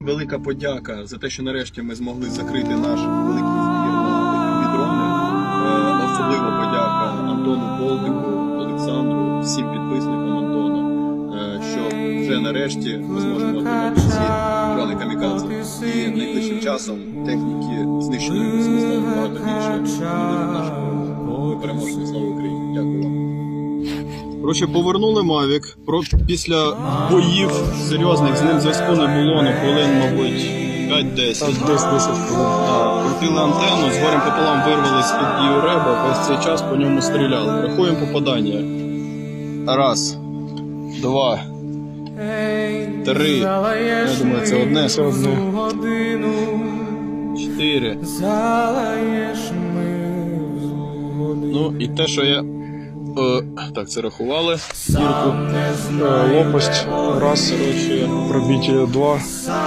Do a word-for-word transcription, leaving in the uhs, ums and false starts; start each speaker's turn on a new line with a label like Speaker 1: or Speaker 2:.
Speaker 1: Велика подяка за те, що нарешті ми змогли закрити наш великий збір на такі дрони. Е, особливо подяка Антону Болтику, Олександру, всім підписникам Антона, е, що вже нарешті ми зможемо отримати ці дрони камікадзе. І найближчим часом техніки знищеної ми зможемо багато більше буде в нашому. Ми переможемо. Слава Україні! Дякую вам. Коротше, повернули Мавік. Про після боїв серйозних з ним зв'язку не було, ну хвилин, мабуть, п'ять-десять. десять хвилин. Крутили антенну, з горем пополам вирвали з-під її реба, весь цей час по ньому стріляли. Рахуємо попадання. Раз, два, три. Я думаю, це одне, це одне. Чотири. Ну і те, що я... Е, так, це рахували. Дірку.
Speaker 2: Лопасть раз, пробиття два.